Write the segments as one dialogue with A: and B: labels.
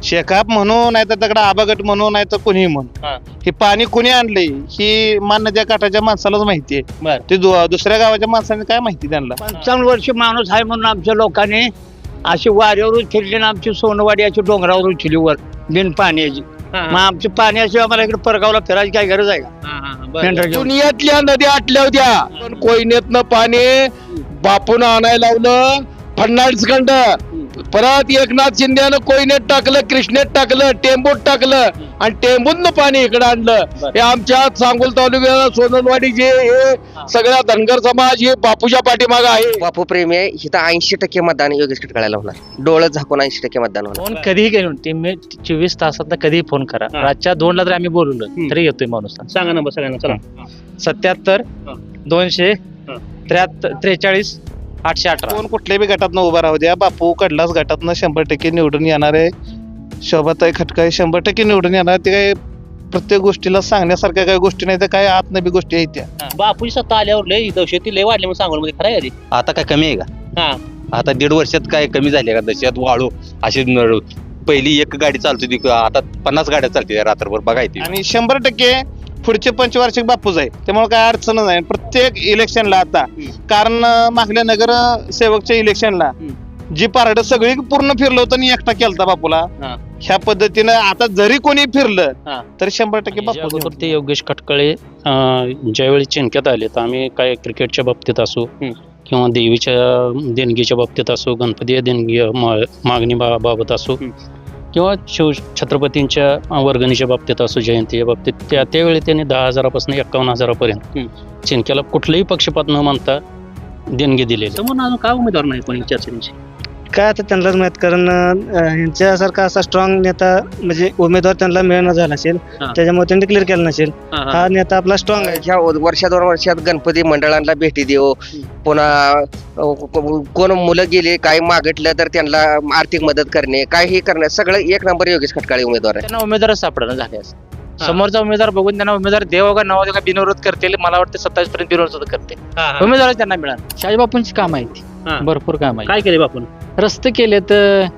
A: शेकाप म्हणून नाही तर दगड आबागट म्हणून नाही तर कोणीही म्हणून
B: हा.
A: हे पाणी कोणी आणले ही मान नद्या काठाच्या माणसालाच माहिती आहे.
B: बर
A: ते दुसऱ्या गावाच्या माणसाने काय माहिती त्यांना.
C: 55 वर्ष माणूस आहे म्हणून आमच्या लोकांनी अशी वाऱ्यावर उचलली ना आमची सोनवाडी अशी डोंगरावर उचलली वर बिन पाण्याची. मग आमची पाण्याशिवाय आम्हाला इकडे परगावला फिरायची काय गरज आहे का? मेंढरं घेऊन.
D: दुनियातल्या नद्या आटल्या होत्या पण कोयनेतनं पाणी बापून आणायला लावलं. फडणवीसखंड परत एकनाथ शिंदेनं कोयनेत टाकलं, कृष्णेत टाकलं, टेंबूत टाकलं आणि टेंबूतनं पाणी इकडे आणलं. हे आमच्या सांगोल तालुक्याला सोनलवाडी जे हे सगळ्या धनगर समाज हे बापूच्या पाठीमाग आहे.
E: बापू प्रेमी आहे इथं 80% मतदान योगेश खटकाळ्याला होणार. डोळं झाकून 80% मतदान होणार.
F: फोन कधीही केलं तुम्ही 24 तासात कधीही फोन करा. रातच्या 2ला जर आम्ही बोलवलं तरी येतोय माणूस.
B: सांगा नंबर सगळ्यांना चला.
F: 77 200 43 818.
A: कोण कुठल्याही गटातनं उभा राहू द्या, बापू कडलाच गटातनं 100% निवडून येणार आहे. शोभाताई खटकाळे 100% निवडून येणार. ते काय प्रत्येक गोष्टीला सांगण्यासारख्या काही गोष्टी नाही तर काय आतनबी गोष्टी आहेत त्या.
B: बापूची सत्ता आल्यावर लय दहशती लय वाढली म्हणून सांगोल मध्ये खरं आहे का?
G: आता काय कमी आहे का?
B: हा
G: आता 1.5 वर्षात काय कमी झाले का? दशात वाळू अशी पहिली एक गाडी चालत होती, आता 50 गाड्या चालते रात्रभर बघायची.
A: आणि 100% पुढचे पंचवार्षिक बापूच आहे, त्यामुळे काय अडचण नाही प्रत्येक इलेक्शनला. आता कारण मागल्या नगर सेवकच्या इलेक्शनला जी पारड सगळी पूर्ण फिरलं होतं आणि एकटा केलता बापूला. ह्या पद्धतीनं आता जरी कोणी फिरलं तर 100% बापू.
F: ते योगेश खटकळे ज्यावेळी चिंक्यात आले तर आम्ही काय क्रिकेटच्या बाबतीत असो किंवा देवीच्या देणगीच्या बाबतीत असो, गणपती देणगी मागणी बाबत असो किंवा छत्रपतींच्या वर्गणीच्या बाबतीत असो, जयंतीच्या बाबतीत त्यावेळी त्यांनी 10,000 पासून 51,000 चिंक्याला कुठलाही पक्षपात न मानता देणगी दिलेली.
B: समोर अजून का उमेदवार नाही कोणी चर्चेची?
H: काय आता त्यांनाच माहित, कारण यांच्यासारखा असा स्ट्रॉंग नेता म्हणजे उमेदवार त्यांना मिळणं झाला असेल, त्याच्यामुळे त्यांनी क्लिअर केलं नसेल. हा नेता आपला स्ट्रॉंग आहे.
E: ह्या वर्षा 2 वर्षात गणपती मंडळांना भेटी देऊ, पुन्हा कोण मुलं गेले काय मागितलं तर त्यांना आर्थिक मदत करणे, काय हे करणे सगळं एक नंबर योगेश खटकाळे उमेदवार आहे.
F: त्यांना उमेदवारच सापडणं झाले. समोरचा उमेदवार बघून त्यांना उमेदवार देव का नवा का बिनविरोध करतील. मला वाटतं 27 पर्यंत बिनविरोध करते उमेदवार त्यांना मिळाला. शाजीबापूंची काम आहेत, भरपूर काम आहे.
B: काय केले बापून?
F: रस्ते केलेत,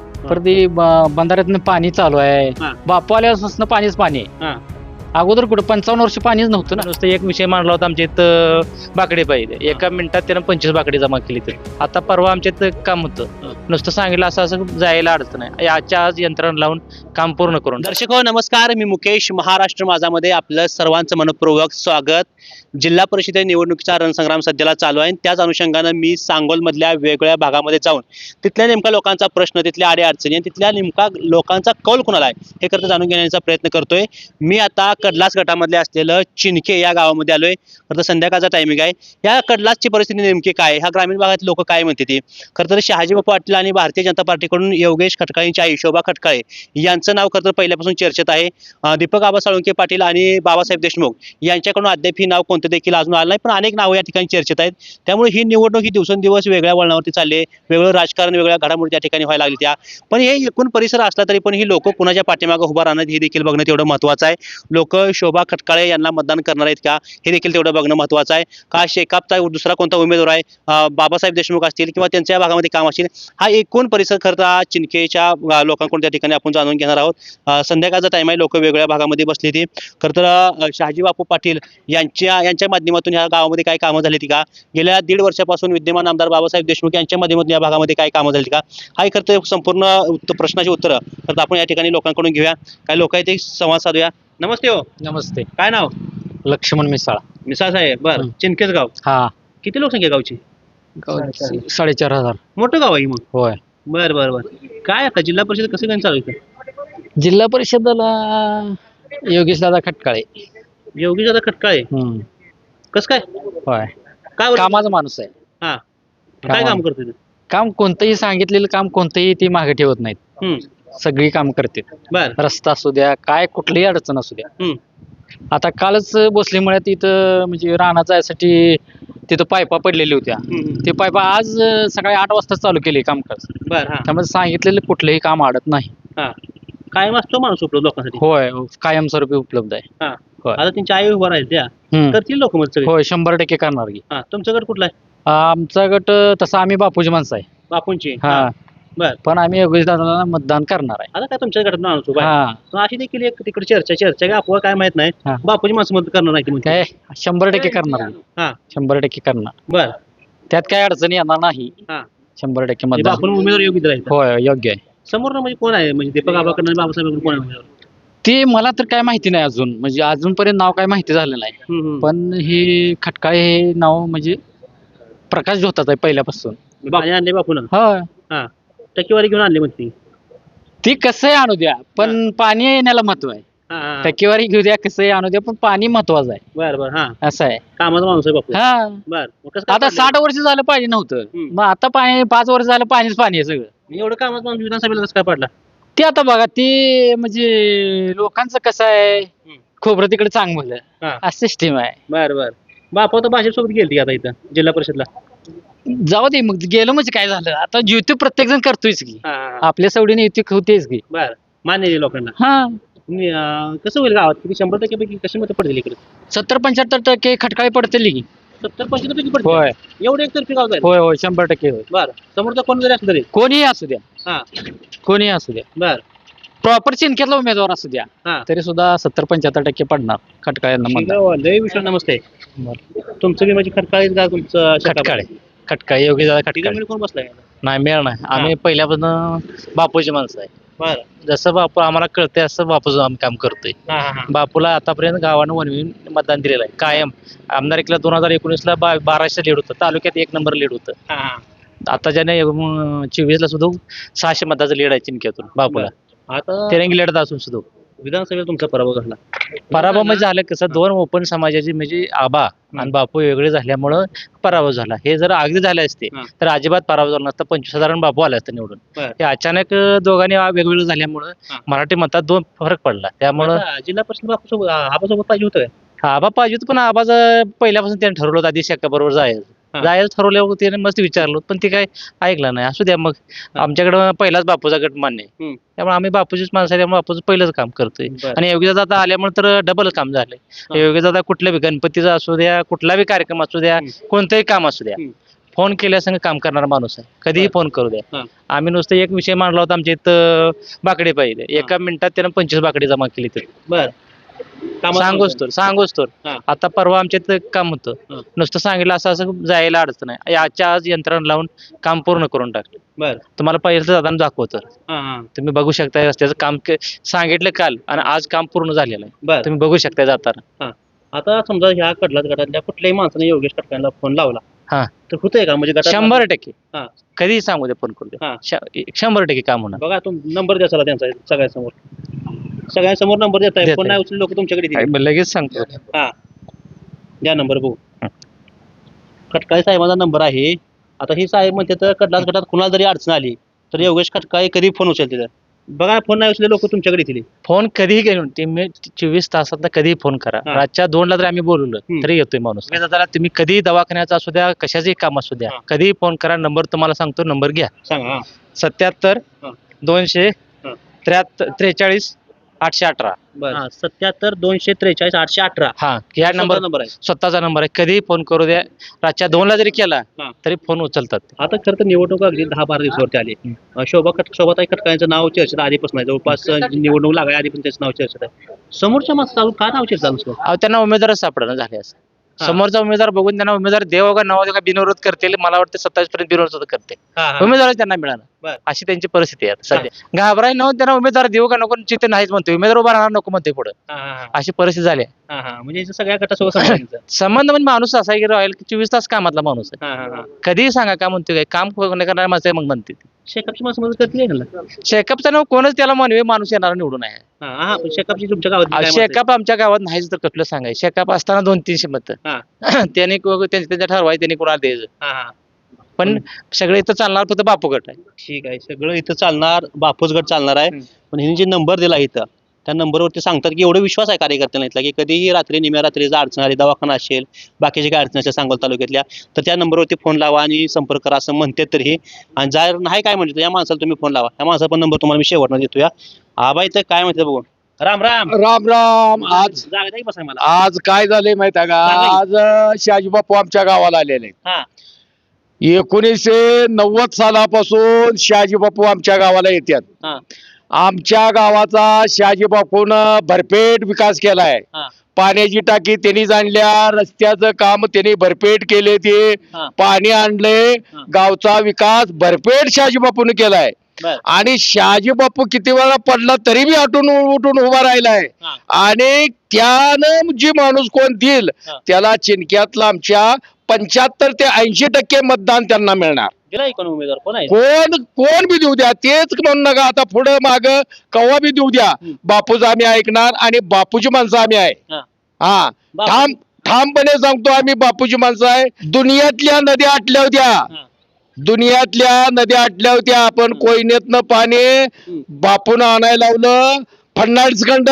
F: परत बंधाऱ्यातनं पाणी चालू आहे. बापू आल्यापासून पाणीच पाणी आहे. अगोदर कुठं 55 वर्ष पाणीच नव्हतं ना. नुसतं एक विषय मांडला होता आमच्या इथं बाकडे पाहिजे, एका मिनिटात त्यानं 25 बाकडे जमा केली. तर आता परवा आमच्या इथं काम होतं, नुसतं सांगितलं असं असं जायला अडचण आहे. याच्या आज यंत्रणा लावून काम पूर्ण करून.
B: दर्शक हो नमस्कार, मी मुकेश. महाराष्ट्र माझामध्ये आपलं सर्वांचं मनपूर्वक स्वागत. जिल्हा परिषद निवडणुकीचा रणसंग्राम सध्याला चालू आहे. त्याच अनुषंगानं मी सांगोलमधल्या वेगवेगळ्या भागामध्ये जाऊन तिथल्या नेमका लोकांचा प्रश्न, तिथल्या अडीअडचणी आणि तिथल्या नेमका लोकांचा कौल कुणाला आहे हे करता जाणून घेण्याचा प्रयत्न करतोय. मी आता कडलास गटामधले असलेलं चिनके या गावामध्ये आलोय. खरं तर संध्याकाळचा टायमिंग आहे. या कडलासची परिस्थिती नेमकी काय, ह्या ग्रामीण भागात लोक काय म्हणते ती. खरं तर शहाजीबापू पाटील आणि भारतीय जनता पार्टीकडून योगेश खटकाळेंची आई शोभा खटकाळे यांचं नाव खरं तर पहिल्यापासून चर्चेत आहे. दीपक आबा साळुंके पाटील आणि बाबासाहेब देशमुख यांच्याकडून अद्याप ही नाव कोणतं देखील अजून आलं नाही, पण अनेक नावं या ठिकाणी चर्चेत आहेत. त्यामुळे ही निवडणूक ही दिवसेंदिवस वेगळ्या वळणावरती चालली आहे. वेगळं राजकारण, वेगळ्या घडामोडी त्या ठिकाणी व्हायला लागली त्या. पण हे एकूण परिसर असला तरी पण ही लोक कुणाच्या पाठीमागे उभा राहणार हे देखील बघणं तेवढं महत्त्वाचं आहे. लोक शोभा खटकाळे यांना मतदान करणार आहेत का हे देखील तेवढं बघणं महत्त्वाचं आहे. का शेकापचा दुसरा कोणता उमेदवार आहे, बाबासाहेब देशमुख असतील किंवा त्यांच्या भागामध्ये काम असेल, हा एकूण परिसर खरं चिनकेच्या लोकांकडून त्या ठिकाणी आपण जाणून घेणार आहोत. संध्याकाळचा टाइम आहे, लोक वेगवेगळ्या भागामध्ये बसली ती. खरं तर शहाजीबापू पाटील यांच्या माध्यमातून या गावामध्ये काय कामं झाली ती का, गेल्या 1.5 वर्षापासून विद्यमान आमदार बाबासाहेब देशमुख यांच्या माध्यमातून या भागामध्ये काय कामं झाली का, हा खरं तर संपूर्ण प्रश्नाची उत्तरं खरं आपण या ठिकाणी लोकांकडून घेऊया. काय लोक आहेत ते संवाद साधूया. नमस्ते हो.
F: नमस्ते.
B: काय नाव?
F: लक्ष्मण मिसाळ.
B: मिसाळ साहेब. बरं, चिनकेच गाव.
F: हा.
B: किती लोकसंख्या गावची?
F: 4,500.
B: मोठं गाव आहे मग.
F: होय.
B: बर बर बर. काय आता जिल्हा परिषद कसं काय चालू आहे?
F: जिल्हा परिषदेला योगेश दादा खटकाळे.
B: योगेश दादा खटकाळे. कसं काय?
F: होय.
B: काय
F: कामाचा माणूस आहे.
B: हा. काय काम करतो?
F: काम कोणतंही सांगितलेलं काम कोणतंही ते मागे ठेवत नाहीत. सगळी काम करते.
B: बर.
F: रस्ता असू द्या, काय कुठलीही अडचण असू द्या. आता कालच भोसलेमुळे तिथं म्हणजे राणा जायसाठी तिथं पायपा पडलेल्या होत्या. ते पायपा आज सकाळी 8 वाजता चालू केले कामकाज. त्यामध्ये सांगितलेलं कुठलंही काम अडत नाही.
B: कायम असतो माणूस उपलब्ध लोकांसाठी.
F: होय, कायमस्वरूपी उपलब्ध आहे.
B: आता त्यांच्या आई उभा राहील त्या करतील लोक मग सगळे.
F: होय, 100% करणार की.
B: तुमचा गट कुठला आहे?
F: आमचा गट तसा आम्ही बापूजी माणसं आहे.
B: बापूंची.
F: हा.
B: बर.
C: पण आम्ही योगेश दादाला मतदान करणार आहे.
B: आता काय तुमच्या घरात माणूस उभा आहे.
C: हा
B: पण अशी देखील एक तिकडे चर्चा काय अफवा काय माहित नाही
C: हा.
B: बापूची माणसं मदत करणार नाही ती म्हणते.
C: काय 100% करणार आम्ही.
B: हा
C: 100% करणार.
B: बर
C: त्यात काय अडचणी येणार नाही.
B: हा
C: 100%
B: म्हणजे
C: मतदान
B: बापून उमेदवार योग्य राहील
C: होय योग्य आहे.
B: समोर म्हणजे कोण आहे म्हणजे दीपक आबाकडनं बाबासाहेब कोण आहे उमेदवार?
C: ते मला तर काय माहिती नाही अजून, म्हणजे अजूनपर्यंत नाव काय माहिती झालं नाही. पण हे खटकाळे हे नाव म्हणजे प्रकाश झोतात आहे पहिल्यापासून.
B: पाणी आणले बापून
C: होय
B: हा टक्केवारी घेऊन आणली म्हणते.
C: ती कसंही आणू द्या पण पाणी येण्याला महत्व आहे.
B: हा हा
C: टक्केवारी घेऊ द्या कसंही आणू द्या पण पाणी महत्वाचं आहे.
B: बर बर हा
C: असं आहे.
B: कामाचा माणूस आहे बापू.
C: हा
B: बर मग कसं काय
C: आता
B: पडलं?
C: 60 वर्ष झालं पाणी नव्हतं. मग आता पाणी 5 वर्ष झालं पाणीच पाणी आहे सगळं.
B: एवढं कामाचा माणूस विधानसभेला कसं काय पडला?
C: ते आता बघा ते म्हणजे लोकांचं कसं आहे खोबरं तिकडे चांगलं
B: हा.
C: असं सिस्टीम आहे.
B: बर बर बापू तर भाजप सोबत गेलती आता इथं जिल्हा परिषदला.
C: जाऊ दे मग गेलं म्हणजे काय झालं आता युती प्रत्येक जण करतोयच की
B: हा, हा, हा.
C: आपल्या सवडीने युती होतेच की.
B: बर मान्य आहे लोकांना.
C: हा
B: तुम्ही, कसं होईल गावात किती 100% पैकी कशी मतं पडतील इकडे?
C: 70-75% खटकाळी पडतील की.
B: 70-75 पैकी पडतील.
C: होय
B: एवढं एकतर्फी गाव जाईल.
C: होय होय 100% होय.
B: बर समोरचा कोण जरी असलं तरी.
C: कोणीही असू द्या
B: हा
C: कोणीही असू द्या
B: बर
C: प्रॉपर चिंकेतला उमेदवार असू द्या
B: हा
C: तरी सुद्धा 70-75% पडणार खटकाळ्यांना
B: ठीक
C: मतदान.
B: आहे, लय विषय नमस्ते. तुमचं बी म्हणजे खटकाळीच गाव तुमचं
C: खटकाळे खटकाळे योग्य झाला खटकाळे
B: तिघांमध्ये कोण बसलाय?
C: नाही मिळणार नाही. आम्ही पहिल्यापासून बापूची माणसं आहे.
B: बर
C: जसं बापू आम्हाला कळतंय असं बापूचं आम्ही काम करतोय.
B: हा हा हा
C: बापूला आतापर्यंत गावानं वनविन मतदान दिलेलं आहे कायम. आमदारकीला 2019ला 1200 लीड होतं तालुक्यात 1 नंबर लीड होतं.
B: हा हा
C: आता ज्याने 24ला सुद्धा 600 मताचं लीड आहे चिंक्यातून बापूला.
B: आता
C: तिरंगी लढत असून सुद्धा
B: विधानसभेत तुमचा पराभव झाला.
C: पराभव म्हणजे झालं कसं दोन ओपन समाजाची म्हणजे आबा आणि बापू वेगळे झाल्यामुळं पराभव झाला. हे जर अगदी झाले असते
B: हा.
C: तर अजिबात पराभव झाला नसता. 25,000 बापू आले असते निवडून.
B: बर.
C: हे अचानक दोघांनी वेगवेगळं झाल्यामुळं
B: हा.
C: मराठी मतात 2 फरक पडला. त्यामुळं
B: आता जिल्हा परिषद बापू सोबत आबासोबत पाहिजे होतं काय?
C: आबा पाहिजे होतं पण आबाचं पहिल्यापासून त्याने ठरवलं होतं आधी शेका बरोबर
B: हा.
C: जायचं ठरवल्यावर त्याने मस्त विचारलं पण ते काय ऐकलं नाही. असू द्या मग आमच्याकडं पहिलाच बापूचा गट मान्य आहे.
B: हम्म.
C: त्यामुळे आम्ही बापूचीच माणसं आहे त्यामुळे बापूचं पहिलंच काम करतोय.
B: बर.
C: आणि योगीदादा आल्यामुळे तर डबलच काम झालंय. योगीदादा कुठल्या बी गणपतीचा असू द्या कुठला बी कार्यक्रम असू द्या कोणतंही काम असू द्या फोन केल्यासंग काम करणारा माणूस आहे. कधीही फोन करू द्या.
B: हा.
C: आम्ही नुसतं एक विषय मांडला होता आमच्या इथं बाकडे पाहिजे. एका मिनिटात त्यानं 25 बाकडे जमा केली तर
B: बर
C: सांगोच तर
B: हा.
C: आता परवा आमच्या इथं काम
B: हा.
C: होतं नुसतं सांगितलं असं जायला अडचण आहे. आजच्या आज यंत्रणा लावून काम पूर्ण करून टाकलं.
B: बर
C: तुम्हाला पहिलं जाताना दाखवतो
B: हा हा
C: तुम्ही बघू शकता रस्त्याचं काम सांगितलं काल आणि आज काम पूर्ण झालेलं आहे.
B: बर
C: तुम्ही बघू शकता जाताना.
B: आता समजा ह्या कडलाच गटातल्या कुठल्याही माणसाने योगेश खटकांना फोन लावला
C: हा.
B: तर होतंय का म्हणजे गटात
C: 100%
B: हा.
C: कधीही सांगू दे फोन करू
B: हा.
C: दे 100% काम होणार.
B: बघा नंबर द्या चला त्यांचा सगळ्यांसमोर नंबर देताय.
C: देताय.
B: फोन नाही उचलले लोक तुमच्याकडे येतील.
C: लगेच सांगतो.
B: हा द्या नंबर बघू. खटकाळे साहेबांचा नंबर आहे. आता ही साहेब म्हणते तर कडलाच गटात कुणाला जरी अडचण आली तर योगेश खटकाळे कधी फोन उचलते. बघा फोन नाही उचलले लोक तुमच्याकडे येतील.
C: फोन कधीही घेऊन तुम्ही 24 तासात कधीही फोन करा.
B: हा.
C: रातच्या 2ला जर आम्ही बोलवलं तरी येतोय माणूस. तुम्ही कधीही दवाखान्याचा असू द्या कशाचंही काम असू द्या
B: हा.
C: कधीही फोन करा. नंबर तुम्हाला सांगतो नंबर घ्या
B: सांगा हा.
C: 77
B: हा.
C: 200
B: हा.
C: 43 818.
B: बर 77 243 818
C: हा या नंबर
B: नंबर आहे.
C: स्वतःचा नंबर आहे. कधीही फोन करू द्या. रातच्या 2ला जरी केला
B: हा.
C: तरी फोन उचलतात.
B: आता खरं तर निवडणूक अगदी 10-12 दिवसावरती आली. शोभाताई खटकाळ्यांचं नाव चर्चेत आधीपासून आहे. जवळपास निवडणूक लागाय आधी पण त्याचं नाव चर्चेत आहे. समोरच्या माणसाचं का नाव चर्चेत चालू
C: अहो त्यांना उमेदवारच सापडणं झाले असं.
B: हा.
C: समोरचा उमेदवार बघून त्यांना उमेदवार देव का नाव का बिनविरोध करतील. मला वाटतं 27 पर्यंत बिनविरोध करते. उमेदवार त्यांना
B: बर.
C: मिळाला अशी त्यांची परिस्थिती आहे आता सध्या. घाबराय न त्यांना उमेदवार देऊ का नको चित्त नाहीच म्हणते. उमेदवार उभा राहणार नको म्हणते पुढे अशी परिस्थिती झाली आहे.
B: म्हणजे याचं सगळ्या गटासोबत संबंध आहे.
C: संबंध म्हणजे माणूस असा आहे की राहील की 24 तास कामातला माणूस आहे. कधीही सांगा काय म्हणतोय काय काम करणारा माणसं आहे मग म्हणते.
B: शेकापची माणसं मदत करतील का?
C: शेकअपचा नाव कोणच त्याला म्हणवे माणूस येणार निवडून आहे.
B: पण शेकापची तुमच्या गावात
C: शेकअप आमच्या गावात नाहीच तर कसलं सांगाय. शेकअप असताना 200-300 मत त्याने त्यांच्या ठरवाय त्यांनी कोणाला द्यायचं. पण सगळे इथं चालणार फक्त बापू गट आहे.
B: ठीक आहे सगळं इथं चालणार बापूच गट चालणार आहे. पण हिने जे नंबर दिला इथं त्या नंबरवरती सांगतात की एवढा विश्वास आहे कार्यकर्त्यांना इथला की कधीही रात्री निम्या रात्री अडचण आली दवाखाना असेल बाकीचे काय अडचण असेल सांगोल तालुक्यातल्या तर त्या नंबरवरती फोन लावा आणि संपर्क करा असं म्हणतात. तरी आणि जर नाही काय म्हणतो या माणसाला तुम्ही फोन लावा. त्या माणसाचा पण नंबर तुम्हाला मी शेवटनं देतो. या आबा इथं काय म्हणते बघू. राम राम
D: राम राम. आज
B: जागा द्या की बसाय मला.
D: आज काय झालंय माहिती आहे का?
B: सांगा
D: आज शहाजी बापू आमच्या गावाला आलेले आहेत.
B: हा
D: 1990 सालापासून शहाजी बापू आमच्या गावाला येतात.
B: हा.
D: आमच्या गावाचा शहाजी बापून भरपेट विकास केलाय.
B: हा.
D: पाण्याची टाकी त्यांनी आणल्या, रस्त्याचं काम त्यांनी भरपेट केले, ते
B: हा.
D: पाणी आणले,
B: हा.
D: गावचा विकास भरपेट शहाजी बापून केलाय.
B: बर.
D: आणि शहाजी बापू किती वेळा पडला तरी बी उठून उभा राहिलाय.
B: हा.
D: आणि त्यानं जी माणूस कोण देईल
B: हा.
D: त्याला चिनक्यातला आमच्या 75 ते 80% मतदान त्यांना मिळणार.
B: दिलाय कोण उमेदवार कोण आहे
D: कोण बी देऊ द्या, तेच म्हणू नका आता पुढे माग कवा बी देऊ द्या. बापूच आम्ही ऐकणार आणि बापूची माणसं आम्ही आहे.
B: हा.
D: हा,
B: बापू-
D: ठामपणे सांगतो आम्ही बापूची माणसं आहे. दुनियातल्या नद्या आटल्या होत्या,
B: हा.
D: दुनियातल्या नद्या आटल्या होत्या, पण कोयनेतनं पाणी बापून आणायला लावलं फडणवीस खंड.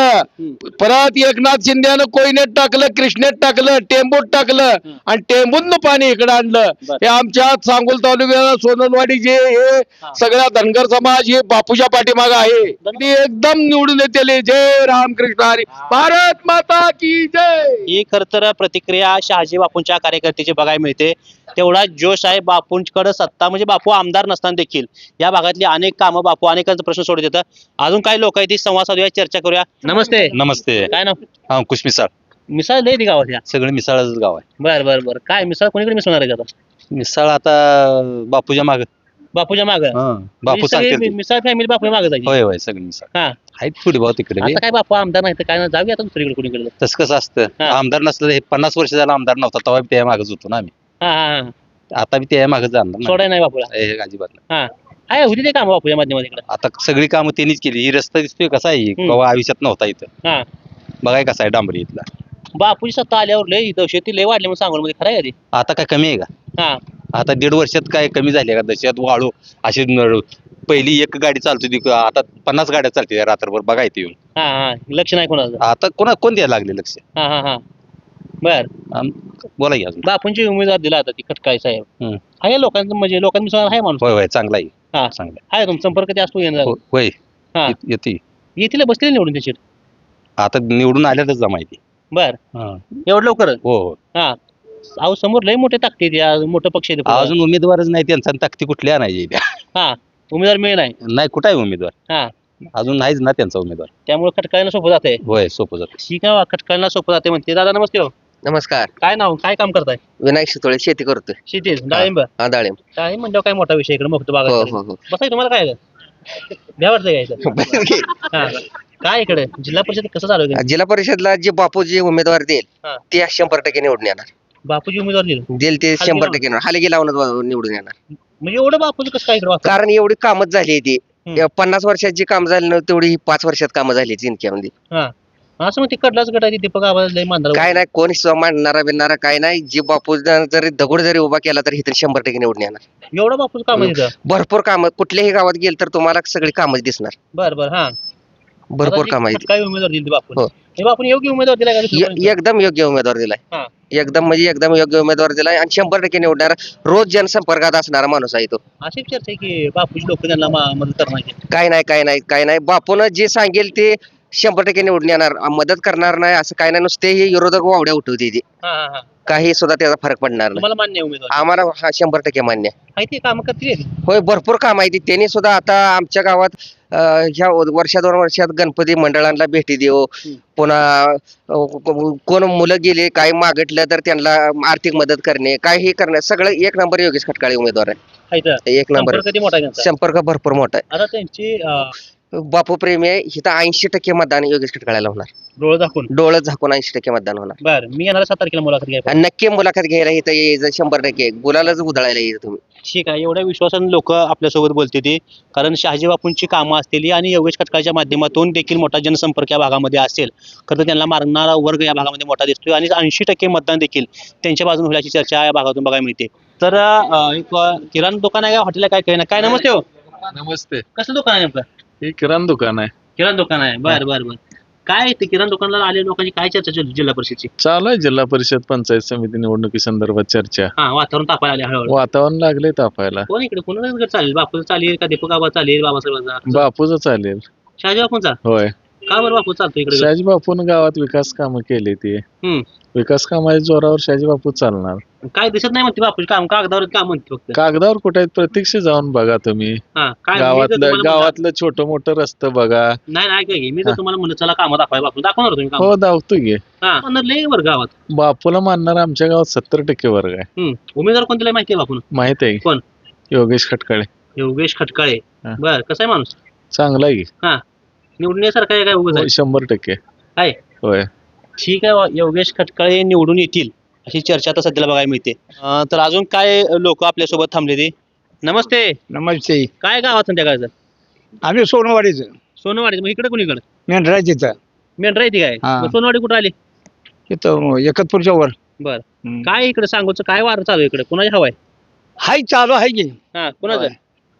D: परत एकनाथ शिंदेनं कोयनेत टाकलं, कृष्णेत टाकलं, टेंबूत टाकलं आणि टेंबूतनं पाणी इकडे आणलं. हे आमच्या सांगोल तालुक्याला सोनलवाडी जे हे सगळ्या धनगर समाज हे बापूच्या पाठीमागे आहे. ते एकदम निवडून येते. जय रामकृष्ण हरी, भारत माता की जय.
B: ही खर तर प्रतिक्रिया शहाजी बापूंच्या कार्यकर्त्याची बघायला मिळते. तेवढा जोश आहे बापूंकडे. सत्ता म्हणजे बापू आमदार नसताना देखील या भागातली अनेक कामं बापू अनेकांचे प्रश्न सोडत येतात. अजून काही लोक आहेत ती संवाद साधूया, चर्चा करूया. नमस्ते.
G: नमस्ते.
B: काय नाव?
G: अंकुश मिसाळ.
B: मिसाळ लय ती गावात या.
G: सगळं मिसाळच गाव आहे.
B: बर बर बर. काय मिसाळ कोणीकडे मिसळणार आहे का आता?
G: मिसाळ आता बापूच्या माग.
B: बापूच्या माग
G: बापू सांगतील.
B: मिसाळ फॅमिली बापूच्या मागे जायची.
G: होय होय सगळं मिसाळ
B: हा.
G: आहेत थोडी भाऊ तिकडे बी.
B: आता काय बापू आमदार नाही तर काय ना, जाऊया आता दुसरीकडे कोणीकडे.
G: तसं कसं असतं,
B: हा.
G: आमदार नसलं हे 50 वर्ष झाला आमदार नव्हता तेव्हा बी त्या मागच होतो ना आम्ही.
B: हा हा हा.
G: आता बी त्या मागच जाणार ना.
B: सोडाय नाही बापूला.
G: हे अजिबात नाही.
B: हा. आहे होती ते काम बापूच्या माध्यमात इकडे.
G: आता सगळी कामं त्यांनीच केली. ही रस्ता दिसतोय कसा आहे, केव्हा आयुष्यात नव्हता इथं.
B: हा.
G: बघाय कसा आहे डांबरी इथला.
B: बापूची सत्ता आल्यावर लय दहशती लय वाढली म्हणून सांगोल मध्ये, खरं आहे का ते?
G: आता काय कमी आहे का?
B: हा.
G: आता 1.5 वर्षात काय कमी झाली का? दशात वाळू अशी पहिली एक गाडी चालत होती, आता 50 गाड्या चालते रात्रभर. बघा इथे येऊन.
B: हा हा. लक्ष नाही कोणाचं.
G: आता कोण द्यायला लागले लक्ष?
B: हा हा हा. बर.
G: बोला की अजून.
B: बापूंची उमेदवार दिला आता ती खटकाळे साहेब.
G: हम्म.
B: आहे लोकांचं म्हणजे लोकांनी सांगा आहे माणूस.
G: होय होय चांगला आहे.
B: हा.
G: चांगला
B: आहे तुमचा संपर्क ते असतो येणार.
G: आहे. होय
B: हा.
G: येते.
B: येतील बसतील निवडून त्याची.
G: आता निवडून आल्यातच माहिती.
B: बर.
G: हा.
B: एवढं लवकर.
G: हो हो.
B: हा. अहो समोर लय मोठे ताकदीत या मोठं पक्ष आहे ते पुढं.
G: अजून उमेदवारच नाही त्यांचा, ताकदी कुठल्या नाही त्या.
B: हा. उमेदवार मिळे नाही.
G: नाही कुठं आहे उमेदवार?
B: हा.
G: अजून नाहीच ना त्यांचा उमेदवार.
B: त्यामुळे खटकाळ्यांना सोपं जाते.
G: होय सोपं जात.
B: ठीक आहे, खटकाळ्यांना सोपं जाते म्हणते. दादा नमस्ते. हो.
E: नमस्कार.
B: काय नाव काय काम करताय?
E: विनायक शितोळे, शेती करतोय.
B: शेती डाळिंब.
E: हा, डाळिंब.
B: डाळिंब म्हणजे काय मोठा विषय इकडे मुक्त
E: हो
B: बागा.
E: हो हो.
B: बसाय तुम्हाला काय भ्या वाटतं काय इथं? हा. काय इकडे जिल्हा परिषद कसं चालू आहे?
E: जिल्हा परिषदला जे बापू जे उमेदवार देईल
B: हा.
E: ते 100% निवडून येणार.
B: बापूची उमेदवार दिली
E: देईल ते 100% येणार. हालगी लावून निवडून येणार.
B: म्हणजे एवढं बापूचं कसं काय इकडे वाटतं?
E: कारण एवढी कामच झाली आहे ती.
B: हम्म.
E: 50 वर्षात जी काम झाली नव्हती तेवढी 5 वर्षात कामं झाली जिंक्यामध्ये.
B: हा. असं मग तिकडलाच गट आहे दीपक आवाज लय मांडणार.
E: काय नाही, कोण मांडणारा बिनणारा काय नाही. जी बापू जरी दगड जरी उभा केला तर इथे 100% निवडून येणार.
B: एवढं बापूचं काम आहे तिथं.
E: भरपूर कामं, कुठल्याही गावात गेल तर तुम्हाला सगळी कामच दिसणार.
B: बर बर. हा.
E: भरपूर काम आहेत.
B: काय उमेदवार दिली बापू?
E: हो.
B: बापून योग्य उमेदवार दिला का?
E: एकदम योग्य उमेदवार दिलाय.
B: हा.
E: एकदम म्हणजे एकदम योग्य उमेदवार दिलाय आणि 100% निवडणार. रोज जनसंपर्कात असणारा माणूस आहे तो.
B: अशी चर्चा आहे की बापूची लोक त्यांना मदत करणार.
E: काय नाही बापून जे सांगेल ते 100% निवडून येणार. मदत करणार नाही असं काय नाही. नुसते हे विरोधक वावड्या उठवते ते.
B: हा हा हा.
E: काही सुद्धा त्याचा फरक पडणार नाही.
B: तुम्हाला मान्य आहे उमेदवार?
E: आम्हाला हा 100% मान्य आहे.
B: आहे ते काम करतील.
E: होय, भरपूर काम आहे ती. त्यांनी सुद्धा आता आमच्या गावात ह्या वर्षा 2 वर्षात गणपती मंडळांना भेटी देऊ. पुन्हा कोण मुलं गेले काही मागितलं तर त्यांना आर्थिक मदत करणे, काही करणे, सगळं 1 नंबर योगेश खटकाळे उमेदवार आहे. 1 नंबर.
B: कधी मोठा आहे त्यांचा?
E: संपर्क भरपूर मोठा आहे.
B: आता त्यांची
E: बापू प्रेमी आहे. इथं 80% मतदान योगेश खटकाळ्याला होणार.
B: डोळं दाखवून.
E: डोळं झाकून 80% मतदान होणार.
B: बर. मी येणार 7 तारखेला मुलाखत घ्यायला.
E: आणि नक्की मुलाखत घ्यायला इथं यायचं 100%. गुलालच उधळायला यायचं तुम्ही.
B: ठीक आहे. एवढ्या विश्वासाने लोक आपल्यासोबत बोलते ती, कारण शहाजी बापूंची कामं असतील आणि योगेश खटकाळच्या माध्यमातून देखील मोठा जनसंपर्क या भागामध्ये असेल. खरं तर त्यांना मारणारा वर्ग या भागामध्ये मोठा दिसतोय आणि 80% मतदान देखील त्यांच्या बाजूने होण्याची चर्चा या भागातून बघायला मिळते. तर एक किराणा दुकान आहे का हॉटेल आहे काय काय? नमस्ते. हो.
I: नमस्ते.
B: कसं दुकान आहे नेमकं?
I: हे किराणा दुकान आहे.
B: किराणा दुकान आहे. बर बर बर. काय ते किराणा दुकानाला आलेल्या लोकांची काय चर्चा चालू जिल्हा परिषदची?
I: चालू आहे जिल्हा परिषद पंचायत समिती निवडणुकी संदर्भात चर्चा.
B: हा. वातावरण तापायला आले हळूहळू.
I: वातावरण लागले तापायला.
B: कोण इकडे कोणाला चालेल? बापूचं चालेल का दीपक आबा चालेल? बाबासाहेबांचा?
I: बापूच चालेल.
B: शहाजी बापूंचा?
I: होय.
B: का बरं बापू चालतो इकडे
I: शहाजी बापून गावात विकास कामं केली ती
B: हम्म.
I: विकास कामाच्या जोरावर शहाजी बापू चालणार.
B: काय दिसत नाही म्हणते बापूची काम कागदावर काम म्हणते फक्त
I: कागदावर कुठे आहेत प्रत्यक्ष जाऊन बघा तुम्ही.
B: हा काय मी जर तुम्हाला म्हणलं-
I: गावातलं छोटं मोठं रस्तं बघा.
B: नाही नाही काय मी जर तुम्हाला म्हणलं चला कामं दाखवाय बापू दाखवणार तुम्ही काम
I: हो धावतो की.
B: हा म्हणणार लय बरं गावात
I: बापूला मानणार आमच्या गावात 70% वर्ग आहे.
B: उमेदवार कोणत्याला माहिती आहे बापून
I: माहित आहे
B: कोण?
I: योगेश खटकाळे.
B: योगेश खटकाळे
I: हा.
B: बर कसा आहे माणूस
I: चांगला आहे की.
B: हा निवडून येण्यासारखा आहे काय उगाच आहे?
I: 100%
B: आहे
I: होय.
B: ठीक आहे योगेश खटकाळे निवडून येतील अशी चर्चा आता सध्याला बघायला मिळते. तर अजून काय लोक आपल्यासोबत थांबले ते. नमस्ते.
C: नमस्ते.
B: काय गावात संध्याकाळचं?
C: आम्ही सोनवाडीचं
B: सोनवाडी. मग इकडे कुणीकडे
C: मेंढरा तिथं
B: मेंढरा येते काय
C: हा.
B: मग सोनवाडी कुठं आली?
C: इथं एकतपूरच्या वर
B: बर काय इकडे सांगोचं काय वार चालू आहे इकडे कुणाची हवा आहे?
C: हाय चालू आहे की
B: हा कुणाचं?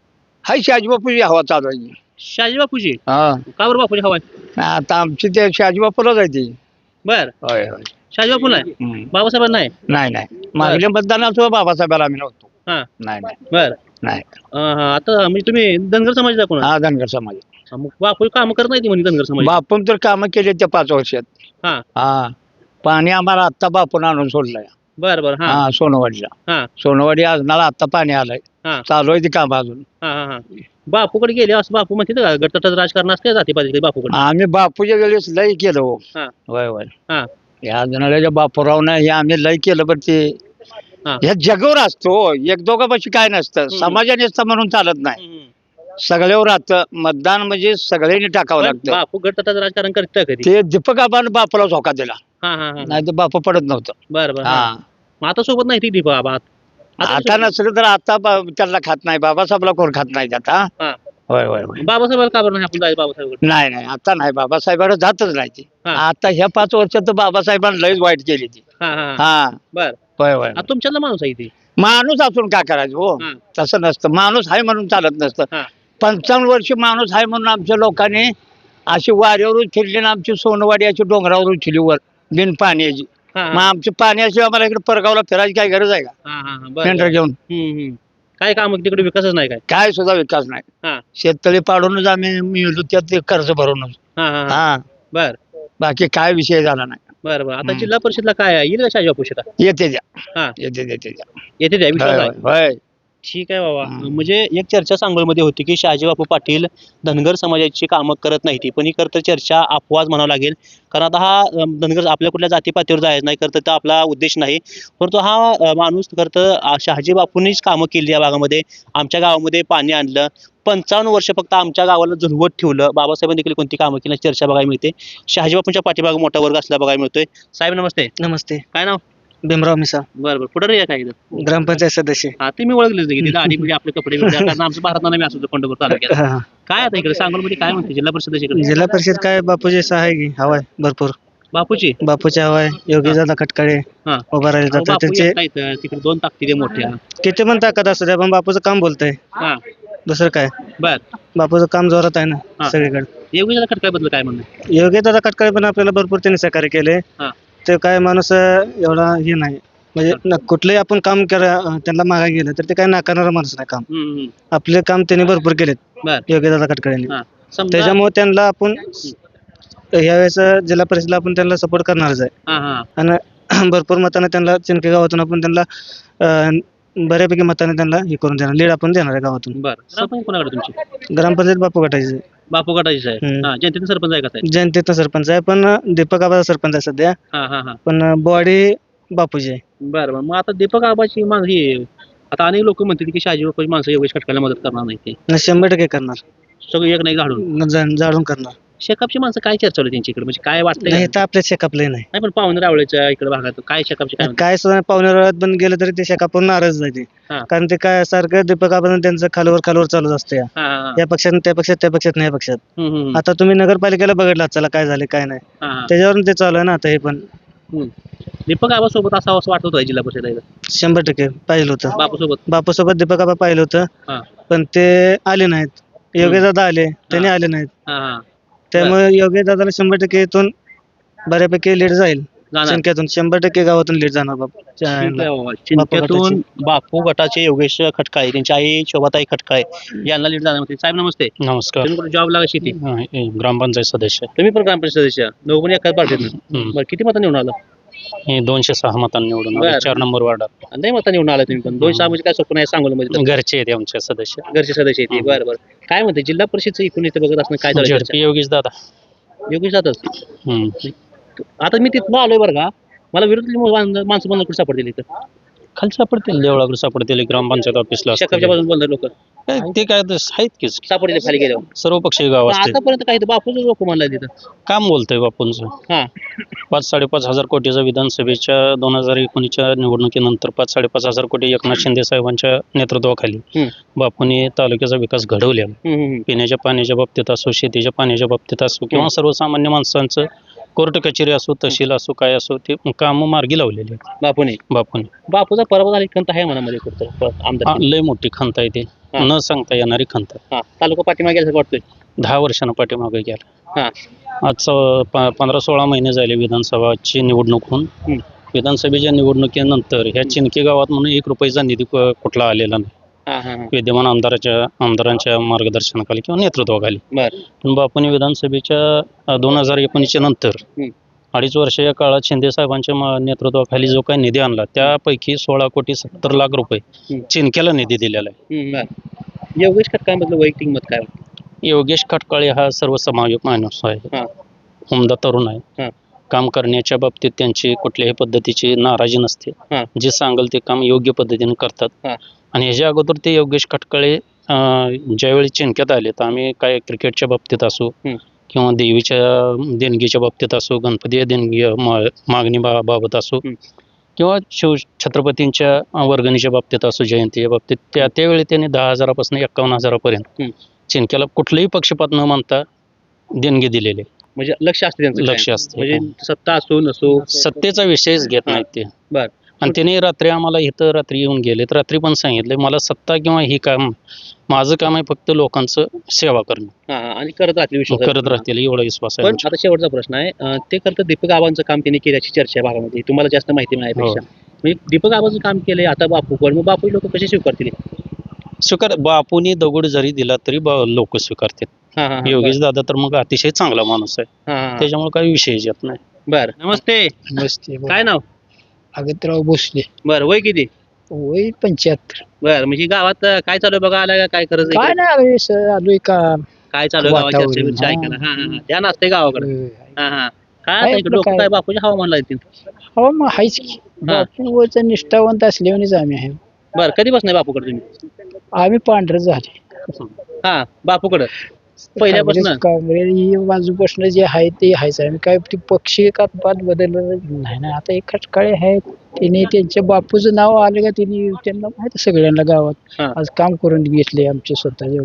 C: हाय शहाजीबापूची हवा चालू आहे की.
B: शहाजी बापूची.
C: हा
B: का बरं बापूची हवा आहे?
C: आता आमची ते शहाजीबापूला जायची.
B: बर
C: होय होय.
B: शहाजी बापू नाही बाबासाहेब नाही.
C: नाही मागल्या मतदानात सुद्धा बाबासाहेबाला आम्ही नव्हतो.
B: हा
C: नाही नाही
B: बर
C: नाही.
B: आता म्हणजे तुम्ही धनगर समाज दाखवणार
C: हा धनगर समाज.
B: मग बापू काम करत नाही ती म्हणजे धनगर समाज.
C: बापून तर कामं केली त्या 5 वर्षात.
B: हा
C: हा पाणी आम्हाला आत्ता बापून आणून सोडलंय.
B: बर बर हा
C: हा सोनवाडीला.
B: हा
C: सोनवाडी आजनाला आत्ता पाणी आलंय.
B: हा
C: चालू आहे ती काम अजून.
B: हा हा हा बापूकडे गेले असं बापू म्हणते का गटतटाचं राजकारण असते जाती पाहिजे बापूकडे.
C: आम्ही बापूच्या वेळेस लय केलं हो.
B: हा
C: होय होय.
B: हा
C: या जनाच्या बापूरावनं हे आम्ही लय केलं पण ते
B: हा.
C: ह्या जगावर असतो एक दोघापाशी काय नसतं. समाजाने असतं म्हणून चालत नाही. सगळ्यावर राहतं मतदान म्हणजे सगळ्यांनी टाकावं
B: पण
C: लागतं.
B: बापू गटतटाचं राजकारण करतं कधी?
C: ते दीपक आबानं बापूला धोका दिला.
B: हा हा हा
C: नाही तर बापू पडत नव्हतं.
B: बर बर
C: हा
B: मग आता सोबत नाही ती दीपा आबा
C: आता नसलं तर आता त्यांना खात नाही बाबासाहेबला कोण खात नाही आता.
B: हा.
C: होय होय होय.
B: बाबासाहेबाला का बरं नाही आपण जायचं बाबासाहेब?
C: नाही नाही आता नाही बाबासाहेबाला जातच नाही ती.
B: हा.
C: आता ह्या 5 वर्षात तर बाबासाहेबांना लयच वाईट केली ती.
B: हा हा
C: हा
B: बर
C: होय होय.
B: तुमच्यातला माणूस आहे ती.
C: माणूस असून काय करायचं हो.
B: हा.
C: तसं नसतं माणूस आहे म्हणून चालत नसतं.
B: हा.
C: 55 वर्ष माणूस आहे म्हणून आमच्या लोकांनी अशी वाऱ्यावरून फिरली ना आमची सोनवाडी अशी डोंगरावर उचली वर बिन पाण्याची.
B: हा,
C: मग
B: हा.
C: आमच्या पाण्याशिवाय आम्हाला इकडे परगावला फिरायची काय गरज आहे का?
B: हा, हा, हा. बरं,
C: टेंडर
B: बरं.
C: घेऊन
B: काय काम तिकडे विकासच नाही काय?
C: काय सुद्धा विकास नाही.
B: हा
C: शेततळी पाडूनच आम्ही मिळलो त्यात ते कर्ज भरूनच.
B: हा हा हा.
C: हा
B: बर
C: बाकी काय विषय झाला नाही.
B: बर बर आता जिल्हा परिषदला काय आहे? येईल का शाहजी बापू शेतात?
C: येते द्या
B: हा
C: येते देते द्या.
B: येते त्या विश्वास
C: होय
B: आहे.
C: होय होय.
B: ठीक आहे बाबा. म्हणजे एक चर्चा सांगोलमध्ये होती की शहाजी बापू पाटील धनगर समाजाची कामं करत नाही ती पण ही खरं तर चर्चा अपवाद म्हणावं लागेल कारण आता हा धनगर आपल्या कुठल्या जातीपातीवर जायचं नाही खरं तर आपला उद्देश नाही परंतु हा माणूस खरं तर शहाजी बापूंनीच कामं केली या भागामध्ये. आमच्या गावामध्ये पाणी आणलं 55 वर्ष फक्त आमच्या गावाला झुलवत ठेवलं. बाबासाहेबांनी देखील कोणती कामं केली चर्चा बघायला मिळते. शहाजी बापूंच्या पाठीमागे मोठा वर्ग असला बघायला मिळतोय. साहेब नमस्ते.
H: नमस्ते.
B: काय नाव?
H: भीमराव मिसा
B: बरं बरं पुढे रे काय इथं?
H: ग्रामपंचायत सदस्य.
B: हा ते मी ओळखलेच की तिथं आधी म्हणजे आपले कपडे बिपडे कारण आमचं भारतानं मी असतो पंढरपूर तालुक्यात.
H: हा.
B: काय आता इकडे सांगोलमध्ये काय म्हणते जिल्हा परिषदेच्या इकडे?
H: जिल्हा परिषद काय बापूजी आहे की हवाय भरपूर.
B: बापूची
H: बापूची हवाय योगी दादा खटकाळे
B: हा
H: उभा राहिले
B: अहो,
H: जातात
B: बापू
H: त्यांचे
B: एकटा इथं, तिकडे 2 ताकदीने मोठ्या.
H: किती पण ताकद असू द्या पण बापूचं काम बोलतंय
B: हा
H: दुसरं काय.
B: बर
H: बापूचं काम जोरात आहे
B: हा.
H: ना सगळीकडे.
B: योगी खटकाबद्दल काय म्हणणं?
H: योगी दादा खटकाळे पण आपल्याला भरपूर त्यांनी सहकार्य केले.
B: हा.
H: ते काय माणूस एवढा हे नाही म्हणजे कुठलंही आपण काम त्यांना मागा गेलं तर ते काय नाकारणारा माणूस नाही काम. आपले काम त्यांनी भरपूर केलेत
B: बर
H: योगी दादा खटकाळेंनी.
B: हा समजा
H: त्याच्यामुळे त्यांना आपण यावेळेस जिल्हा परिषदला आपण त्यांना सपोर्ट करणारच आहे.
B: हा हा
H: आणि भरपूर मताने त्यांना चिनके गावातून आपण त्यांना बऱ्यापैकी मताने त्यांना हे करून देणार लीड आपण देणार आहे गावातून.
B: बर ग्रामपंचायत कोणाकडे तुमची?
H: ग्रामपंचायत बापू गटाची
B: बापू गटाचीच आहे.
H: हम्म.
B: हा जनतेचा सरपंच आहे का साहेब?
H: जनतेचा सरपंच आहे पण दीपक आबाचा सरपंच आहे सध्या
B: हा हा हा
H: पण बॉडी बापूची आहे.
B: बरं बरं मग आता दीपक आबाची ही आता अनेक लोक म्हणतात की शहाजी बापूची माणसं योगेश खटकायला मदत करणार नाही ते
H: 100% करणार.
B: सगळं एक नाही झाडून.
H: जाळून करणार.
B: शेकापची माणसं काय चर्चा होती त्यांची इकडे म्हणजे काय वाटतंय
H: नाही
B: का?
H: तर आपल्या शेकापलंही नाही.
B: नाही पण पाहुणे रावळेच्या इकडे भागात काय शेकापची काय म्हणतात?
H: काय सुद्धा पाहुण्यात बंद गेलं तरी ते शेकापून नाराज जाते
B: हा.
H: कारण ते काय सारखं दीपक आबानं त्यांचं खालवर चालूच असतं
B: हा, हा, हा.
H: या पक्षात त्या पक्षात त्या पक्षात नाही या पक्षात.
B: हम्म, हम्म,
H: आता तुम्ही नगरपालिकेला बघितलं चला काय झाले काय नाही
B: हा, हा.
H: त्याच्यावरून ते चालू आहे ना आता हे पण.
B: दीपक आबा सोबत असावं असं वाटत होतं जिल्हा परिषद
H: 100% पाहिलं होतं.
B: बापू सोबत.
H: बापूसोबत दीपक आबा पाहिलं होतं
B: हा.
H: पण ते आले नाहीत. योगी दादा आले त्यांनी आले नाहीत
B: हा हा
H: त्यामुळे योगी दादाला 100% इथून बऱ्यापैकी लीड जाईल
B: जाणार.
H: चिंक्यातून 100% गावातून लीड जाणार बापू
B: ठीक आहे बाबा. चिंतेतून बापू गटाचे योगेश खटकाळे त्यांची आई शोभाताई खटकाळे यांना लीड जाणार होते. साहेब नमस्ते.
F: नमस्कार.
B: तुम्ही कुठे जॉब लागा शेती?
F: ग्रामपंचायत सदस्य
B: तुम्ही पण ग्रामपंचायत सदस्य दोघं पण एकाच पार्टीत
F: हम्म.
B: बरं किती मतं निवडून आलं?
F: हे 206 मतांनी निवडून आले,
B: बरं.
F: 4 नंबर वार्डात.
B: नाही मतं निवडून आलं तुम्ही पण 206 म्हणजे काय सोपं नाही सांगोलमध्ये
F: घरचे आहेत आमचे सदस्य.
B: घरचे सदस्य येते. बरं बरं काय म्हणते जिल्हा परिषदचं एकूण इथे बघत असणं काय चालू
F: झडपी योगेश दादा.
B: योगेश जातच
F: हम्म.
B: आता मी तिथं आलोय बरं का मला विरोधी माणसं बंद कुठे सापडतील इथं
F: खाली सापडतील, देवळाकडे सापडतील, ग्रामपंचायत ऑफिसला
B: शेकापच्या बाजून बोलणार लोक
F: ते काय ते आहेत की
B: सापडले खाली गेल्यावर
F: सर्व पक्षीय गाव असते.
B: आतापर्यंत काही बापूच लोक म्हणलाय तिथं
F: काम बोलतोय बापूंचं.
B: हा
F: 5-5.5 हजार कोटीचा विधानसभेच्या 2019च्या निवडणुकीनंतर 5-5.5 हजार कोटी एकनाथ शिंदे साहेबांच्या नेतृत्वाखाली
B: हम्म.
F: बापूंनी तालुक्याचा विकास घडवला. पिण्याच्या पाण्याच्या बाबतीत असो, शेतीच्या पाण्याच्या बाबतीत असो किंवा सर्वसामान्य माणसांचं कोर्ट कचेरी असो, तहसील असो, काय असो ते काम मार्गी लावलेले आहेत बापूने.
B: बापूचा पराभव झाली खंत आहे मनामध्ये कुठं आमदार
F: लय मोठी खंत आहे ती,
B: हा.
F: न सांगता येणारी खंत आहे.
B: हा तालुका पाठीमागे गेल्यासारखं वाटतोय
F: 10 वर्षांना पाठीमागे गेला.
B: हा
F: आज 15-16 महिने झाले विधानसभाची निवडणूक होऊन.
B: हम्म.
F: विधानसभेच्या निवडणुकीनंतर ह्या चिनके गावात म्हणून 1 रुपयाचा निधी कुठला आलेला नाही
B: हा हा
F: विद्यमान आमदारांच्या मार्गदर्शनाखाली किंवा नेतृत्वाखाली.
B: बर
F: पण बापूने विधानसभेच्या 2019च्या नंतर
B: हम्म.
F: 2.5 वर्ष या काळात शिंदे साहेबांच्या नेतृत्वाखाली जो काही निधी आणला त्यापैकी 16,70,00,000 रुपये
B: हम्म.
F: चिनक्याला निधी दिलेला आहे.
B: बर योगेश खटकाळमधलं वैयक्तिक मत काय
F: योगेश खटकाळे हा सर्वसमावेशक माणूस आहे,
B: हा
F: उमदा तरुण
B: हा.
F: आहे. काम करण्याच्या बाबतीत त्यांची कुठल्याही पद्धतीची नाराजी नसते.
B: हा.
F: जे सांगेल ते काम योग्य पद्धतीने करतात.
B: हा.
F: आणि ह्याच्या अगोदर ते योगेश खटकाळे ज्यावेळी चिंक्यात आले तर आम्ही काय क्रिकेटच्या बाबतीत असो किंवा देवीच्या देणगीच्या बाबतीत असो, गणपती देणगी मागणी बाबत असो किंवा छत्रपतींच्या वर्गणीच्या बाबतीत असो, जयंतीच्या बाबतीत त्यावेळी त्यांनी 10,000पासून 51,000पर्यंत चिंक्याला कुठलेही पक्षपात न मानता देणगी दिलेले.
B: म्हणजे लक्ष असते त्यांचं
F: लक्ष
B: काय?
F: असते.
B: म्हणजे सत्ता असो नसो
F: सत्तेचा विषयच घेत नाहीत ते.
B: बर
F: आणि त्याने रात्री आम्हाला इथं रात्री येऊन गेले तर रात्री पण सांगितले मला सत्ता किंवा ही काम माझं काम आहे फक्त लोकांचं सेवा करणं.
B: हा हा आणि करत राहतील विश्वास
F: करत राहतील एवढा विश्वास आहे
B: पण
F: आमच्यावर.
B: आता शेवटचा प्रश्न आहे ते करतं दीपक आबांचं काम त्यांनी केल्याची चर्चा आहे भागामध्ये तुम्हाला जास्त माहिती मिळाल्यापेक्षा म्हणजे दीपक आबांचं काम केलंय आता बापूकडे मग बापू लोक कसे स्वीकारतील
F: बापूनी दगड जरी दिला तरी लोक स्वीकारतात.
B: हा हा
F: योगेश दादा तर मग अतिशय चांगला माणूस आहे,
B: हा
F: त्याच्यामुळे काही विषय येत नाही.
B: बर नमस्ते
C: नमस्ते
B: काय नाव
C: अगतराव भोसले
B: बर वय किती
C: वय 75.
B: बर म्हणजे गावात काय चालू आहे बघा आला काय करत
C: काय नाही आलोय सर आलोय का
B: काय चालू आहे गावात
C: वातावरण,
B: चर्चा बिर्चा
C: हा.
B: ऐकायला हा हा ध्यान असते गावाकडे हा हा काय
C: काय
B: आता इकडे लोक
C: आपलं
B: काय बापूच्या हवामान लागतील
C: हो मग हायच की बापूच निष्ठावंत असल्यानेच आम्ही आहे.
B: बर कधी बसणार बापूकडे तुम्ही
C: आम्ही पांढर झाले
B: हा बापूकडे पहिल्यापासून
C: काँग्रेस ही बाजूपासून जे आहे ते आहेच आम्ही काय ते पक्षी का पात बदललं नाही ना. आता एक खटकाळे आहेत त्यांनी त्यांच्या बापूचं नाव आलं का त्यांनी त्यांना माहिती सगळ्यांना गावात
B: हा.
C: आज काम करून घेतले आमचे स्वतःचे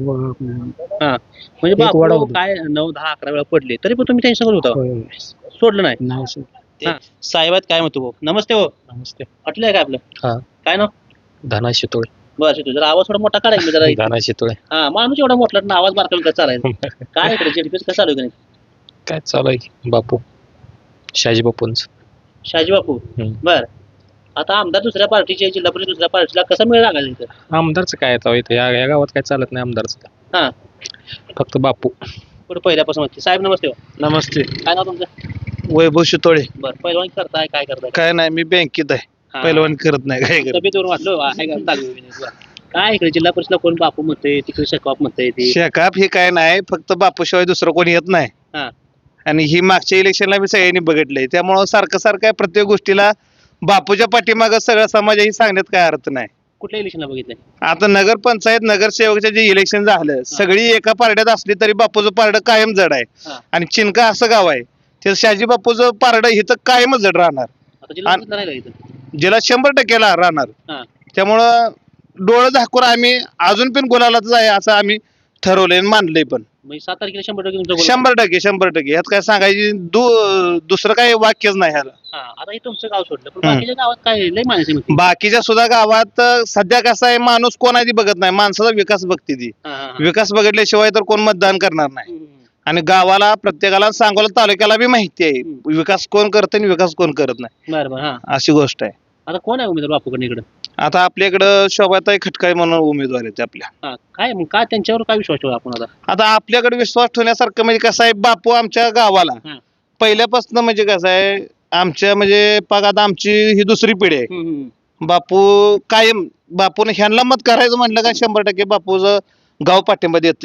B: हा म्हणजे
C: एक वडा
B: बापू
C: होता.
B: काय 9-10-11 वेळा पडले तरी पण तुम्ही त्यांच्याकडे होता
C: होय.
B: सोडलं नाही
C: नाही सर.
B: हा. साहेबात काय म्हणतो भाऊ नमस्ते हो
I: नमस्ते.
B: म्हटलंय काय आपलं
I: हा.
B: काय नाव
I: धना शितोळे.
B: बस येतो जरा आवाज थोडा मोठा काढायचा जरा
I: धना शितोळे.
B: हा माणूस एवढा मोठा ना आवाज बारकावून कसं चालायचं काय इकडे जेडपीस कसं चालू आहे का नाही
I: काय चालू आहे बापू शाजी बापूंच.
B: शाजी बापू बर आता आमदार दुसऱ्या पार्टीचे जिल्हा परिषद दुसऱ्या पार्टीला कसा मिळ लागायचा इथं
I: आमदारचं काय आता इथं या गावात काय चालत नाही आमदारचं.
B: हा
I: फक्त बापू.
B: पुढे पहिल्यापासून होते साहेब नमस्ते हो
A: नमस्ते.
B: काय नाव तुमचं
A: वैभव शितोळे.
B: बरं पहिलवान करताय काय करताय
A: काय नाही मी बँकेत आहे,
B: हा.
A: पहिलवान करत नाही काय करत.
B: तब्येतवरून वाटलं आहे का चालू आहे business? काय इकडे जिल्हा परिषदला कोण बापू म्हणतंय तिकडे शेकाप म्हणतंय ते
A: शेकाप हे काय नाही फक्त बापूशिवाय दुसरं कोणी येत नाही.
B: हा.
A: आणि ही मागच्या इलेक्शनला मी सगळ्यांनी बघितलंय त्यामुळं सारखं सारखं आहे, प्रत्येक गोष्टीला बापूच्या पाठीमागं सगळा समाज ही सांगण्यात काय अर्थ नाही.
B: कुठल्या इलेक्शनला बघितलंय
A: आता नगरपंचायत नगरसेवकचे जे इलेक्शन झालं सगळी एका पारड्यात असली तरी बापूचं पारडं कायम जड आहे.
B: हा.
A: आणि चिनका असं गाव आहे ते शाजी बापूचं पारडं इथं कायमच जड राहणार,
B: आता जिल्हा परिषदला नाही का इथं
A: ज्याला 100% राहणार.
B: हा.
A: त्यामुळं डोळं झाकून आम्ही अजून पण गुलालाच आहे असं आम्ही ठरवलंय आणि मानलंय पण.
B: म्हणजे 7 तारखेला 100% तुमचं बोलणं.
A: 100% ह्यात काय सांगायची दुसरं काही वाक्यच नाही ह्याला.
B: हा आता हे तुमचं गाव सोडलं पण बाकीच्या गावात काय लय माणसं म्हणते
A: बाकीच्या सुद्धा गावात सध्या कसं आहे माणूस कोण आहे ती बघत नाही, माणसाचा विकास बघते ती. विकास बघितल्याशिवाय तर कोण मतदान करणार नाही. आणि गावाला प्रत्येकाला सांगोला तालुक्याला बी माहिती आहे विकास कोण करत आणि विकास कोण करत नाही
B: बरं बरं हा
A: अशी गोष्ट आहे.
B: आता कोण आहे उमेदवार बापूकडे इकडं?
A: आता आपल्या इकडं शोभाताई खटकाळे म्हणून उमेदवार आहेत आपल्या.
B: हा काय मग काय त्यांच्यावर काय विश्वास ठेवू आपण आता?
A: आता आपल्याकडे विश्वास ठेवण्यासारखं म्हणजे कसं आहे बापू आमच्या गावाला
B: हा.
A: पहिल्यापासून म्हणजे कसं आहे आमच्या म्हणजे पाग आता आमची ही दुसरी पिढी आहे. बापू कायम बापून ह्यांना मत करायचं म्हटलं का 100% बापूचं गाव पाठिंबा देते.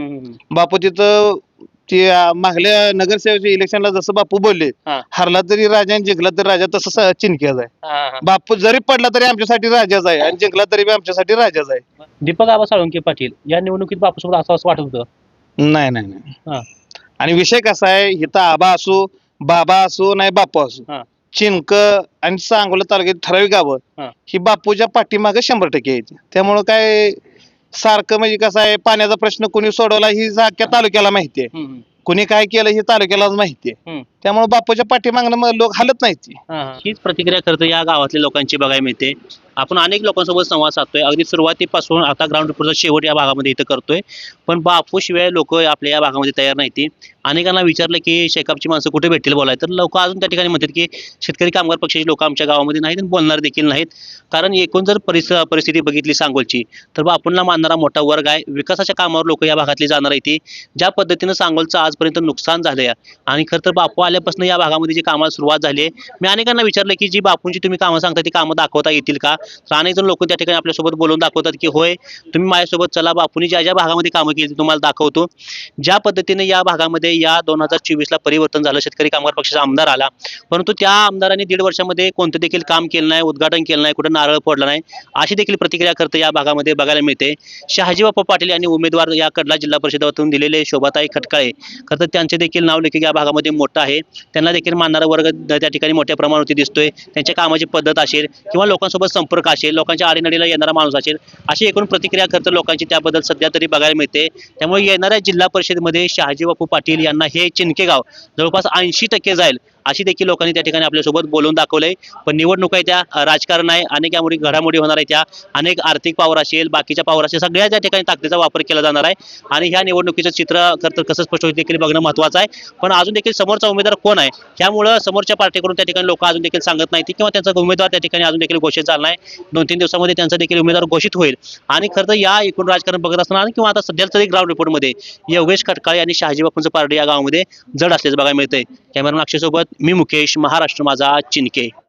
A: बापू तिथं ते मागल्या नगरसेवकच्या इलेक्शनला जसं बापू बोलले
B: हा.
A: हरला तरी राजा आणि जिंकला तरी राजा तसं चिनक्याच आहे. बापू जरी पडला तरी आमच्यासाठी राजाच आहे आणि जिंकला तरी बी आमच्यासाठी राजाच आहे.
B: दीपक आबा साळुंके पाटील या निवडणुकीत बापूसोबत असं वाटत होतं?
A: नाही नाही
B: हा.
A: नाही आणि विषय कसा आहे इथं आबा असो बाबा असो नाही बापू असो
B: हा.
A: चिनक आणि सांगोला तालुक्यात ठराविक गावं
B: हा.
A: ही बापूच्या पाठीमागे 100% यायची. त्यामुळं काय सारखं म्हणजे कसं आहे पाण्याचा प्रश्न कोणी सोडवला ही अख्ख्या तालुक्याला माहिती आहे. कोणी काय केलं हे तालुक्यालाच माहिती आहे. त्यामुळे बापूच्या पाठीमागणं लोक हलत नाहीत.
B: हीच प्रतिक्रिया खरं तर या गावातल्या लोकांची बघायला मिळते. आपण अनेक लोकांसोबत संवाद साधतोय अगदी सुरुवातीपासून आता ग्राउंड रिपोर्टचा शेवट या भागामध्ये इथं करतोय. पण बापू शिवाय लोक आपल्या या भागामध्ये तयार नाहीत. अनेकांना विचारलं की शेकापची माणसं कुठे भेटतील बोलाय तर लोक अजून त्या ठिकाणी म्हणतात की शेतकरी कामगार पक्षाची लोक आमच्या गावामध्ये नाहीत आणि बोलणार देखील नाहीत. कारण एकूण जर परिस्थिती बघितली सांगोलची तर बापूंना मानणारा मोठा वर्ग आहे. विकासाच्या कामावर लोक या भागातली जाणार आहेत. ज्या पद्धतीनं सांगोलचं आजपर्यंत नुकसान झालंय आणि खरं तर बापू आल्यापासून या भागामध्ये जी कामाला सुरुवात झाली आहे. मी अनेकांना विचारलं की जी बापूंची तुम्ही कामं सांगता ती कामं दाखवता येतील का? तर अनेक जण लोक त्या ठिकाणी आपल्यासोबत बोलून दाखवतात की होय तुम्ही माझ्यासोबत चला बापूंनी ज्या ज्या भागामध्ये कामं केली तुम्हाला दाखवतो. ज्या पद्धतीने या भागामध्ये या 2024ला परिवर्तन झालं शेतकरी कामगार पक्षाचा आमदार आला परंतु त्या आमदारांनी 1.5 वर्षामध्ये कोणतं देखील काम केलं नाही उद्घाटन केलं नाही कुठं नारळ फोडला नाही अशी देखील प्रतिक्रिया करते या भागामध्ये बघायला मिळते. शहाजी बापू पाटील यांनी उमेदवार या कडला जिल्हा परिषदेतून दिलेले शोभाताई खटकाळे खरं तर त्यांचे देखील नाव लेखिक या भागामध्ये मोठं आहे. त्यांना देखील मानणारा वर्ग त्या ठिकाणी मोठ्या प्रमाणावरती दिसतोय. त्यांच्या कामाची पद्धत असेल किंवा लोकांसोबत संपर्क असेल लोकांच्या आडीनडीला येणारा माणूस असेल अशी एकूण प्रतिक्रिया खरं तर लोकांची त्याबद्दल सध्या तरी बघायला मिळते. त्यामुळे येणाऱ्या जिल्हा परिषदेमध्ये शहाजी बापू पाटील यांना हे चिनके गाव जवळपास 80% जाईल अशी देखील लोकांनी त्या ठिकाणी आपल्यासोबत बोलून दाखवलंय. पण निवडणूक आहे त्या राजकारण आहे अनेक यामुळे घडामोडी होणार आहे त्या अनेक आर्थिक पावर असेल बाकीच्या पावर असेल सगळ्या त्या ठिकाणी ताकदीचा वापर केला जाणार आहे आणि ह्या निवडणुकीचं चित्र खरं तर कसं स्पष्ट होईल देखील बघणं महत्त्वाचं आहे. पण अजून देखील समोरचा उमेदवार कोण आहे त्यामुळं समोरच्या पार्टीकडून त्या ठिकाणी लोक अजून देखील सांगत नाहीत किंवा त्यांचा उमेदवार त्या ठिकाणी अजून देखील घोषित झाला नाही. 2-3 दिवसामध्ये त्यांचा देखील उमेदवार घोषित होईल आणि खरं तर या एकूण राजकारण बघत असताना किंवा आता सध्या तरी ग्राउंड रिपोर्टमध्ये योगेश खटकाळे आणि शहाजी बापूंचं पारडे या गावामध्ये जड असल्याचं बघायला मिळतंय. कॅमेरामॅन अक्षयसोबत मी मुकेश महाराष्ट्र माझा चिनके.